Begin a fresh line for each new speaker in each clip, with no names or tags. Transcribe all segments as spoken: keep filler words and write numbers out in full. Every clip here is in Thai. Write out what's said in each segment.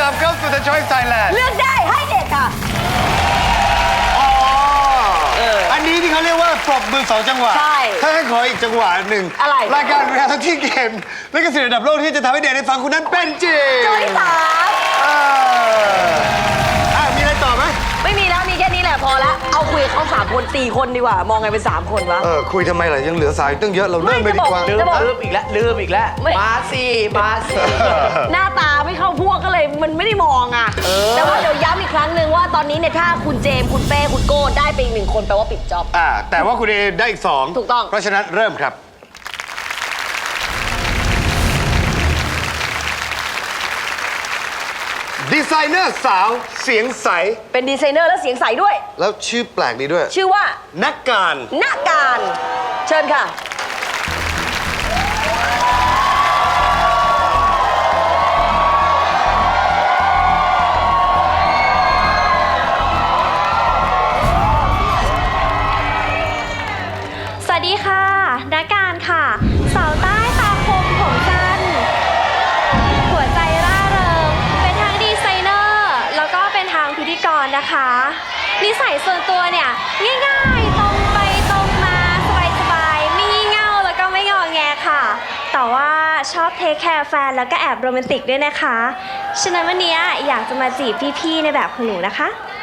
ลับเข้าสู่ The Choice Thailand
เลือกได้ให้เด็กค่ะ
อ๋ออันนี้ที่เขาเรียกว่าปรบมือสองจังหวะ
ใช่
ถ้าให้ขออีกจังหวะหนึ่ง
อะไร
รายการเรียลตี้เกมและกระแสระดับโลกที่จะทำให้เด็กได้ฟังคุณนั้นเป็นจริง
โจที่สาม
เอออ่ะมีอะไรต่อไหม
ไม่มีแล้วมีแค่นี้แหละพอละเอาคุยกับเขาสามคนสี่คนดีกว่ามองไงเป็นสามคนวะ
เออคุยทำไมล่ะยังเหลือสายตั้งเยอะเราเริ่มไปดีกว่า
ไม่
ลืม
จะบอก
ลืมอีกแล้วลืมอีกแล้ว
ไม่
มาสิมาสิ
หน้าตาไม่เข้าพวกก็เลยมันไม่ได้มองอ่ะแต่ว่าเดี๋ยวย้ำอีกครั้งหนึ่งว่าตอนนี้เนี่ยถ้าคุณเจมส์คุณเป้คุณโก้ได้ไปอีกหนึ่งคนแปลว่าปิดจ็อบ
อ่าแต่ว่าคุณเอได้อีกสอง
ถูกต้อง
เพราะฉะนั้นเริ่มครับดีไซเนอร์สาวเสียงใส
เป็นดีไซเนอร์และเสียงใสด้วย
แล้วชื่อแปลกดีด้วย
ชื่อว่า
นักการ
ณการเชิญค่ะ
สวัสดีค่ะนักการค่ะ สาวใต้ตาคมผมสั้น หัวใจร่าเริง เป็นทั้งดีไซเนอร์ แล้วก็เป็นทางพิธีกรนะคะ นิสัยส่วนตัวเนี่ย ง่ายๆ ตรงไปตรงมาสบายๆ ไม่งี่เง่าแล้วก็ไม่งอแงค่ะ แต่ว่าชอบเทคแคร์แฟนแล้วก็แอบโรแมนติกด้วยนะคะ ฉะนั้นวันนี้อยากจะมาจีบพี่ๆในแบบของหนูนะคะ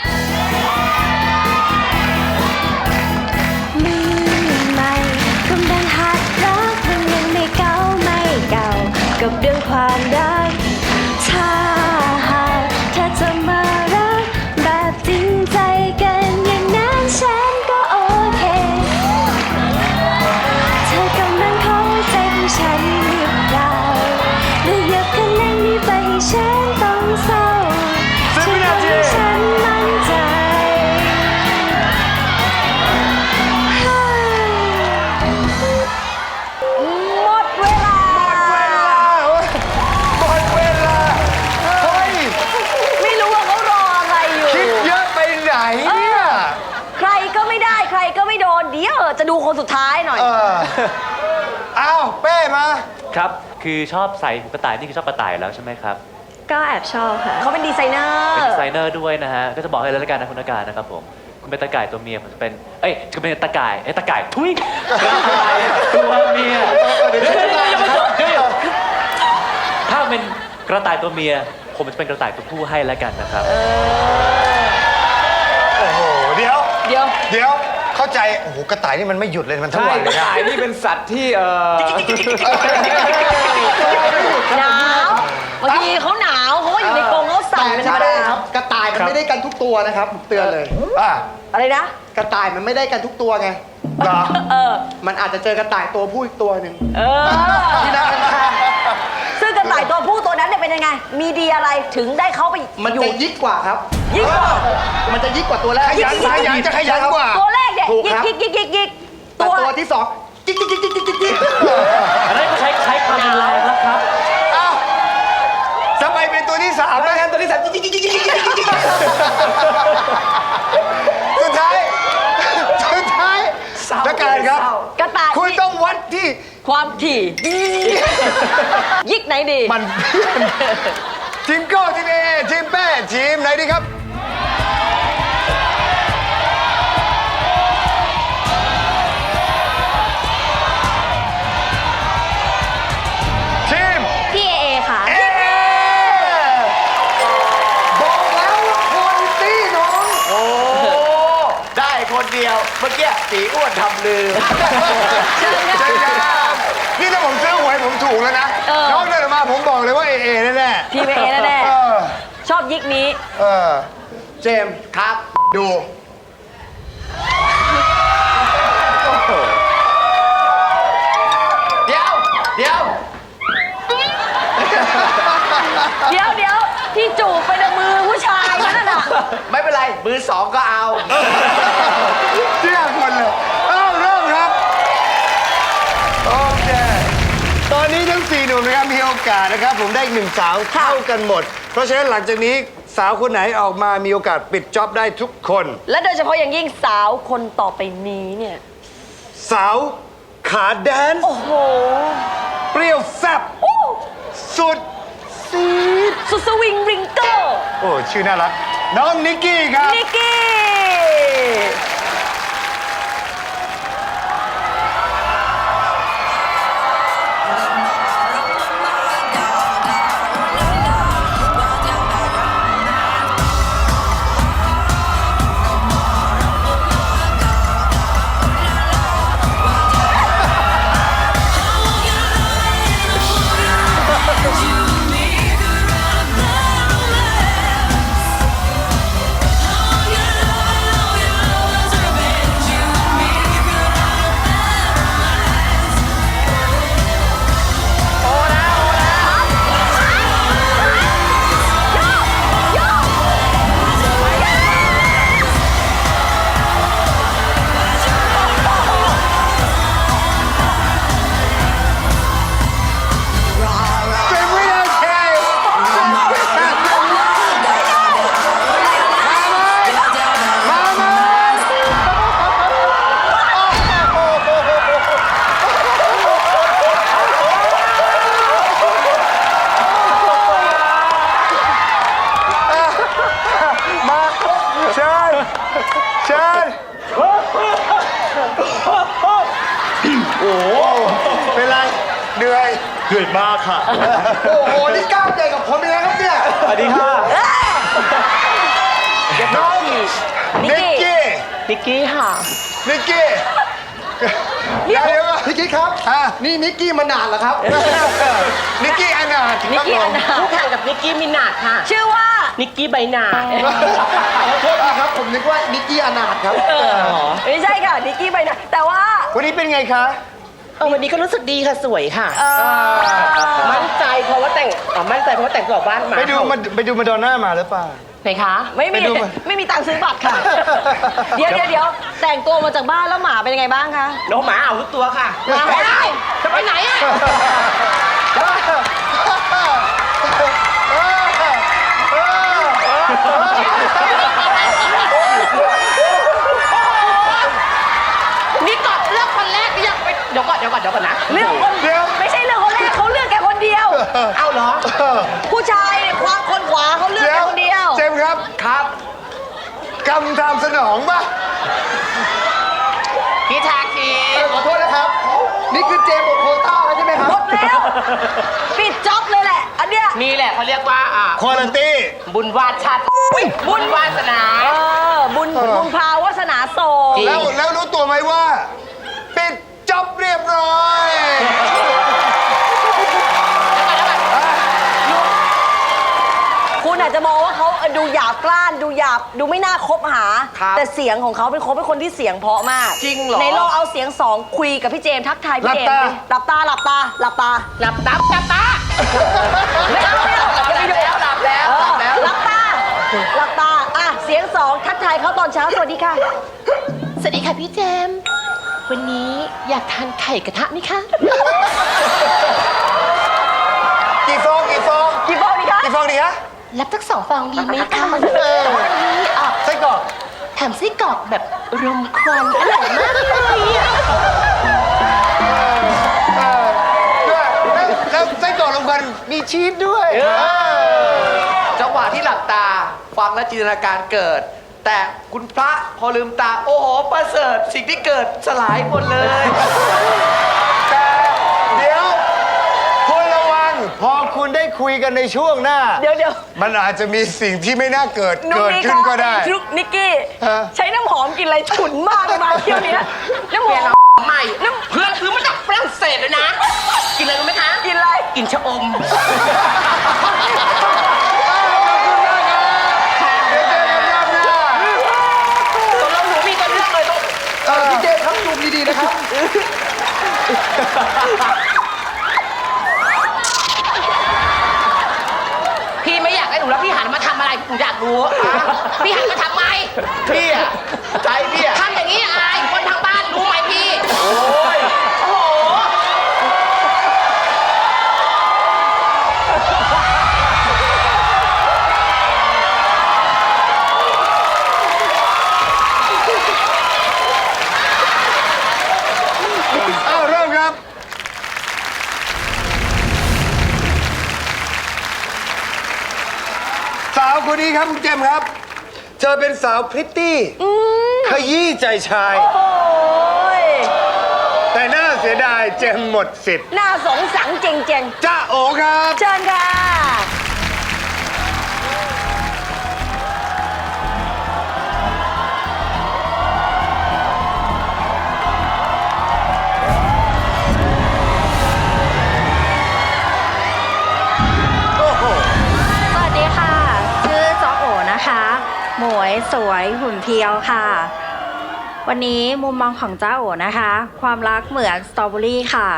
มือใหม่กำลังหัดรักมันยังไม่เก่าไม่เก่ากับเรื่องความรักถ้าหากเธอจะมารักแบบจริงใจกันอย่างนั้นฉันก็โอเคเธอกำลังเข้าใจของฉันหรือเปล่าหรืออยากคะแนนนี้ไปให้ฉันต้องเศร้าฉันต้องให้ฉันมั่นใจ
หมดเวลา
หมดเวลาเฮ้ย
ไม่รู้ว่าเขารออะไรอยู่
คิดเยอะไปไหนเนี่ย
ใครก็ไม่ได้ใครก็ไม่โดนเดี๋ยวจะดูคนสุดท้ายหน่อย
เอออ้าวเป้มา
ครับ คือชอบใส่หูกระต่าย นี่คือชอบกระต่ายแล้วใช่ไหมครับ
ก็แอบชอบค่ะ
เขาเป็นดีไซเนอร์
เป็นดีไซเนอร์ด้วยนะฮะ ก็จะบอกให้เลยละกันนะคุณนักการนะครับผม คุณเป็นตะก่ายตัวเมีย ผมจะเป็น เอ้ยจะเป็นตะก่าย เอ้ยตะก่าย ทุยกระต่ายตัวเมียเดี๋ยวเดี๋ยวเดี๋ยวเดี๋ยวถ้าเป็นกระต่ายตัวเมีย ผมจะเป็นกระต่ายตัวผู้ให้แล้วกันนะครับ
โอ้โหเดี๋ยว
เดี๋ยว
เดี๋ยวเข้าใจโอ้โหกระต่ายนี่มันไม่หยุดเลยมันทั้ง
ใช่
วัน
ก
เล
ระ
ยนะ
ต่ายนี่เป็นสัตว์ที่เออ
หนาวบางทีเขาหนาวเขาก็อยู่ในกรงเขาสั่นเป็นธรรมดา
ครับกระต่ายมันไม่ได้กันทุกตัวนะครับผมเตือนเลย
อ่ะ
อะไรนะ
กระต่ายมันไม่ได้กันทุกตัวไง
เหรอ
เออ
มันอาจจะเจอกระต่ายตัวผู้อีกตัวหนึ่ง
เออ
ที่นั่งข้าง
ซึ่งกระต่ายตัวผู้ตัวนั้นเนี่ยเป็นยังไง มีดีอะไรถึงได้เขาไป
ๆมัน
อยู่
จะยิกกว่าครับ
ยิ่งกว่า
มันจะยิกกว่าตัวแรก
ขยันขยันจะขยันกว่า
ตัวแรกเนี่ย
ถูก
ยิก
ครับ
ยิกยิกยิกยิก
แต่
ตัว
ตัวที่สองยิกยิกยิกยิกยิกยิก
อันนั้นก็ใช้ใช้ความรุนแรงแล้วครับ
อ้าวทำไมเป็นตัวที่สาม
ไม่
นะ
งั้นตัวที่สามยิกยิกยิกยิกยิกยิกยิก
สุดท้าย สุดท้ายนักการครับ
กระต่าย
คุณต้องวัดที่
ความถี่ยิกไหนดี
มันทีมโก้ทีมเอทีมแป้ทีมไหนดีครับ ทีม
พี่เอเอค่ะ
เอ
บอกแล้วว่าคนตีน้อง
โอ้ได้คนเดียว เมื่อกี้สีอ้วนทำลืม
ใช่ครับนี่ถ้าผมซื้อหวยผมถูกแล้วนะ
เออ
น้องเดินออกมาผมบอกเลยว่าเอเอแน่ๆ
ทีมเอแน่
เออ
ๆชอบยิกนี้
เออ
เจมส์ครับ ดู
เดี๋ยว เดี๋ยว
เดี๋ยวเดี๋ยวที่จูบไปในมือผู้ชายนั่นน่ะ
ไม่เป็นไร มือสองก็เอา
เที่ยงคนเลยเอ้าเริ่มครับ โอเค ตอนนี้ทั้งสี่หนุ่มนะครับมีโอกาสนะครับ ผมได้อีกหนึ่งสาวเท่ากันหมด เพราะฉะนั้นหลังจากนี้สาวคนไหนออกมามีโอกาสปิดจ็อบได้ทุกคน
และโดยเฉพาะอย่างยิ่งสาวคนต่อไปนี้เนี่ย
สาวขาแดนซ์
โอ้โห
เปรี้ยวแซ่บ
โอ้
สุด
ซีดสุดสวิงริงเกอร์
โอ้ ชื่อน่ารัก น้องนิกกี้ครับ
นิกกี้
เป็นวินาทีมาไหมมาเชิญเชิญโอ้โหเป็นไรเหนื่อย
เหนื่อยมากค่ะ
โอ้โห นี่กล้ามใหญ่กับผมเลยนะครับเนี่ย
สวัสดีค่ะ
น้อง
นิ
นิ
ก
ก
กี้
กี้
นิกกี้ค่ะ
นิกกี้เดี๋ยวเดี๋ยว
นิกกี้ครับ
อ่ะ
นี่นิกกี้มานานแล้วครับ
นิกกี้อนาถ
นิกกี้อนาถ
คู่แข่งกับนิกกี้มินาดค่ะ
ชื่อว่า
นิกกี้ใบหนาด
ขอโทษทีครับ ผมนึกว่านิกกี้อนาถครับ
ไม่ใช่ค่ะ นิกกี้ไปนะแต่ว่า
วันนี้เป็นไงคะ
เออวันนี้ก็รู้สึกดีค่ะสวยค่ะ
เอ่อ
มั่นใจเพราะว่าแต่งอ๋อมั่นใจเพราะว่าแต่งตัวบ้านหมา
ไปดูมาไปดูมาดอนน่ามาหรือเปล่า
ไหนคะ
ไม่มี
ไปดูมา
ไม่มีตังค์ซื้อบัตรค่ะ เดี๋ยวเดี๋ยวเดี๋ยวแต่งตัวมาจากบ้านแล้วหมาเป็นยังไงบ้างคะ
น้องหมาเอาทุกตัวค่ะ
หมา
ไปได้จะไปไหนอ่ะนี่ก่อนเลือกคนแรกนี่ยังไปเดี๋ยวก่อนเดี๋ยวก่อนเดี๋ยวก่อนนะ
เรื่องคน
เดี๋ยว
ไม่ใช่เรื่องคนแรกเขาเลือกแกคนเดียว
เอาเหรอ
ผู้ชายเนี่ยความคนขวาเขาเลือก
เดี๋
แก
ยว
คนเดียว
เจมส์ครับ
ครับ
กำตามสนองป่ะ
พี่ชาคี
ขอโทษนะครับ นี่คือเจมส์หมดโควต้าแล้วใช่ไหมครับ
หมดแล้ว ปิดจ็อบเลยแหละ อันเนี้ย
นี่แหละเขาเรียกว่าอ่ะ
ควอลันตี้
บุญวาชาติบุญวาสนา
เออ บุญบุญพาวาสนาโสด
จริง
แล้วแล้วรู้ตัวไหมว่า ปิดจ็อบเรียบร้อย
คุณอาจจะมองว่าเขาดูหยาบกล้าน ดูหยาบ ดูไม่น่าคบหา
ครับ
แต่เสียงของเขาเป็นเขาเป็นคนที่เสียงเพราะมาก
จริงเหรอ
ในลองเอาเสียงสองคุยกับพี่เจมส์ทักทายพี่เจมส์ดิหลับตา หลับตา หลับตา
หลับตับหลับตา
ไม่เอาไม่เอา
หลับแล้วหลับแล้ว
เอ
หลั
อบ
แล้ว
หลับตา หลับตา อ่ะ เสียงสองทักทายเขาตอนเช้า สวัสดีค่ะ
สวัสดีค่ะพี่เจมส์วันนี้อยากทานไข่กระทะไหมคะ
กี่ฟองกี่ฟอง
กี่ฟองดีคะ
กี่ฟองดีคะ
รับทั้งสองฟองดีไหมคะวันนี้อ่ะ
ไส้กรอก
แถมไส้กรอกแบบรมควันอร่อยมากเลยอ่ะ
เออด้วยแล้วแล้วไส้กรอกลงกันมีชีสด้วย
จังหวะที่หลับตา ฟังและจินตนาการเกิด แต่คุณพระพอลืมตา โอ้โห ประเสริฐสิ่งที่เกิดสลายหมดเลย
แต่เดี๋ยวคุณระวัง พอคุณได้คุยกันในช่วงหน้า
เดี๋ยวเดี๋ยว
มันอาจจะมีสิ่งที่ไม่น่าเกิด
นุ๊
เกิด
นี่
ขึ้นก็ได้
นุ๊กนิกกี้
ฮะ
ใช้น้ำหอมกลินอะไรฉุนมากเลยมาเที่ยวเนี้ยน้ำหอม
ใหม่เพื่อนซื้อมาจากฝรั่งเศสเลยนะ กินอะไรรู้ไหมคะ
กินอะไร
กินชะอม
เดี๋ยวเจอกันรอบหน้า
ตกลงหนูมีกันเรื่องเลยต้อง
เออพี่เจมส์ครับซูมดีๆนะครับ
พี่ไม่อยากให้หนูแล้วพี่หันมาทำอะไรหนูอยากรู้อ่ะพี่หันมาทำไม
พี่อะใจพี่อะ
ทำอย่างนี้อายคนทางบ้านรู้ไหมพี่
โอ้ย
โอ้โห
อ้าวเริ่มครับสาวคนนี้ครับคุณเจมส์ครับ เธอเป็นสาวพริตตี้ขยี้ใจชาย
โอ้ย
แต่น่าเสียดายเจมส์หมดสิทธิ์
น่าสงสังเจงเจง
จ้าโอครับ
ๆเชิญค่ะ
สวัสดีค่ะ ชื่อจ๊อโอนะคะ หมวยสวยหุ่นเพรียวค่ะ วันนี้มุมมองของจ้าโอนะคะ ความรักเหมือนสตรอเบอรี่ค่ะ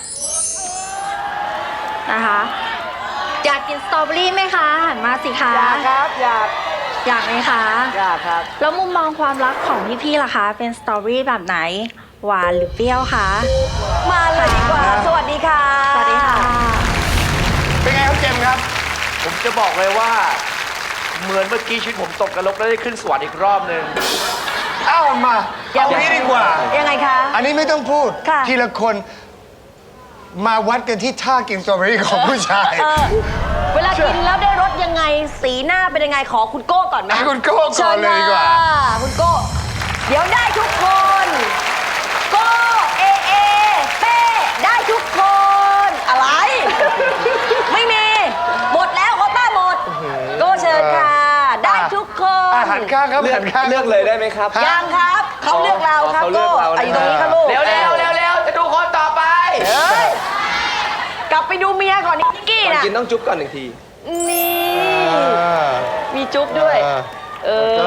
นะคะ อยากกินสตรอเบอรี่ไหมคะหันมาสิคะ
อยากครับ อยาก
อยากไหมคะ
อยากครับ
แล้วมุมมองความรักของพี่ๆล่ะคะ เป็นสตรอเบอรี่แบบไหน หวานหรือเปรี้ยวคะ
มาเลยดีกว่า สวัสดีค่ะ
สวัสดีค่ะ
เป็นไงครับเจมส์ครับ
ผมจะบอกเลยว่า เหมือนเมื่อกี้ชีวิตผมตกกระลกแล้วได้ขึ้นสวรรค์อีกรอบหนึ่ง
เอ้ามาเอางี้ดีกว่า
ยังไงคะ
อันนี้ไม่ต้องพูด
ค่ะ
ทีละคนมาวัดกันที่ท่ากินสตรอเบอรี่ของผู้ชาย
เออ เวลากินแล้วได้รสยังไง สีหน้าเป็นยังไง ขอคุณโก้ก่อนไหม
ให้คุณโก้ก่อนเลยดีกว่า
ชิญค่ะคุณโก้ เดี๋ยวได้ทุกคน โก้ เอ เอ เป้ ได้ทุกคน อะไร ไม่มี หมดแล้วโควต้าหมด โก้เชิญค่ะ ได้ทุกคน
อาหารข้างครับอาหารข้าง
เลือกเลยได้ไหมครับ
ยังครับ เขาเลือกเราครับ
เขาเลื
โก้
อกเรานะ
อ่ะอยู่ตรงนี้ครับลูก
เร็วเร็วเร็วเร็วจะดูคนต่อไป
เอ้ยกลับไปดูเมียก่อนนิกกี้
ก่อน
น่ะ
กินต้องจุ๊บก่อนหนึ่งที
นี่ มีจุ๊บด้วย เออ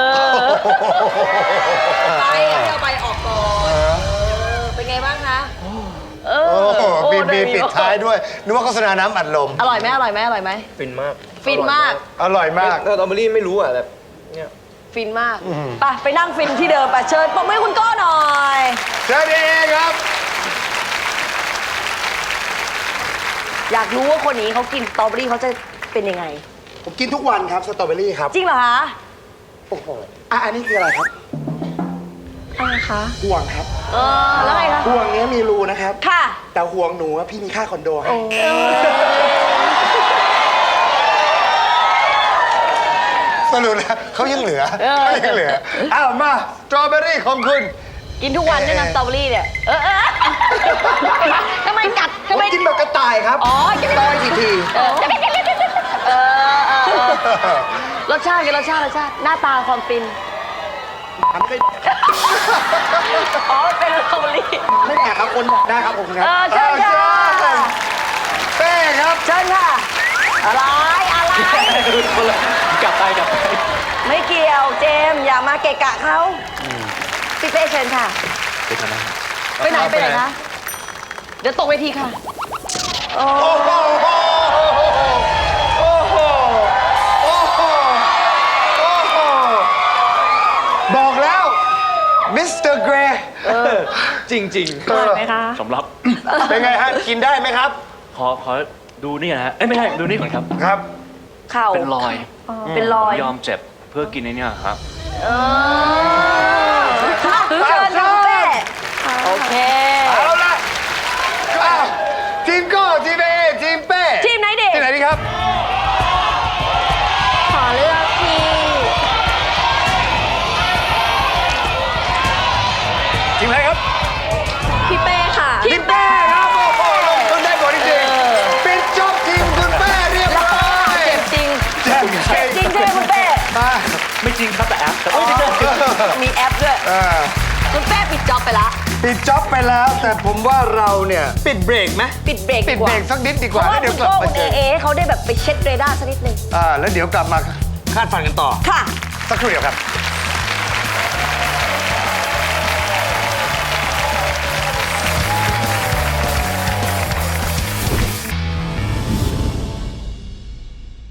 ไปเอาไปออกก่อนเออเป็นไงบ้างคะ เออ
โอ้โห
โอ้
มี
ได้
มีปิดท้ายด้วย นึกว่าโฆษณาน้ำอัดลม
อร่อยไหมอร่อยไหมอร่อยไหม
ฟินมาก
ฟินมาก
อร่อยมาก
สตรอเบอรี่ไม่รู้อ่ะแบบเนี่ย
ฟินมากไปไปนั่งฟินที่เดิมไปเชิญปรบมือให้คุณโก้หน่อย
เชิญเองครับ
อยากรู้ว่าคนนี้เขากินสตรอเบอรี่เขาจะเป็นยังไง
ผมกินทุกวันครับสตรอเบอรี่ครับ
จริงเหรอคะ
โอ้โหอ่ะอันนี้คืออะไรครับ
อะไรคะ
ห่วงครับ
เออ แล้วไงคะ
ห่วงเนี้ยมีรูนะครับ
ค่ะ
แต่ห่วงหนูอะพี่มีค่าคอนโดให้
สรุปแล้วเขายังเหลือเขายังเหลือ อ้าวมาสตรอเบอรี่ของคุณ
กินทุกวันด้วยนะสตรอเบอรี่เนี่ย เออเออทำไมกัด
ผ
ทำ
ม
ไม
กินแบบกระต่ายครับ
อ๋อกินไม่
ต้
ได้
อยทีที
เออเออเออเออรสชาติกันรสชาติรสชาติ หน้าตาความฟิน
ทำไม่
อ๋อ เป็นสตรอเบอรี่
ไม่แอบครับคนบอกได้ครับผมค
เอ
รับ
อเชิญค่ะ
เป้ครับ
เชิญค่ะ อะไร อะไร
กลับไปกลับไป
ไม่เกี่ยวเจมส์อย่ามาเกะกะเขาพี่เป้เชิญค่ะ
เดี๋ยวก่อนนะ
ไปไหนไปไหนคะ เดี๋ยวตกเวทีค่ะ โอ้
โอ้โห โอ้โห โอ้โห โอ้โห บอกแล้วมิสเตอร์เกรย์
จริงจริง
อร่อยไหมคะ
สำรับ
เป็นไงฮะ กินได้ไหมครับ
ขอขอดูนี่นะฮะ เอ้ยไม่ใช่ ดูนี่ก่อนครับ
ครับ
เข่า
เป็นรอย
เป็นรอย
ผมยอมเจ็บเพื่อกินไอ้เนี่ยครับ
เออค่ะเชิญค่ะคุณเป้โอเค
เอาละอ้าวทีมโก้ทีมเอทีมเป้
ทีมไหนดี
ทีมไหนดีครับ
ขอเลือกที่
ทีมไหนครับ
พี่เป้ค่ะ
ทีมเป้ครับ โอ้โหลงทุนได้ผลจริงๆปิดจบทีมคุณเป้เรียบร้อย
เจ็บจริง
เจ็บจริง
จริงใช่ไหมคุณเป้
มา
ไม่จริงครับแต่แอปแต่
อ๋อ
ไม่ใช่
มีแอปด้วย
เออ
คุณเป้ปิดจ็อบไปละ
ปิดจ็อบไปแล้วแต่ผมว่าเราเนี่ยปิดเบรกไหม
ปิดเบรก
ปิด
ก
เบร
ว่า
กสักนิดดีก
เพ
ว่า
ราะว่า
แล้วเดี๋
คุ
ยว
ณ
กลับ
โก้
มา
คุณ
เจ
เอ
อ
เอเขาได้แบบไปเช็คเรดาร์สักนิดนึง
อ่าแล้วเดี๋ยวกลับมาคาดฟันกันต่อ
ค่ะ
สักครู่เดียวครับ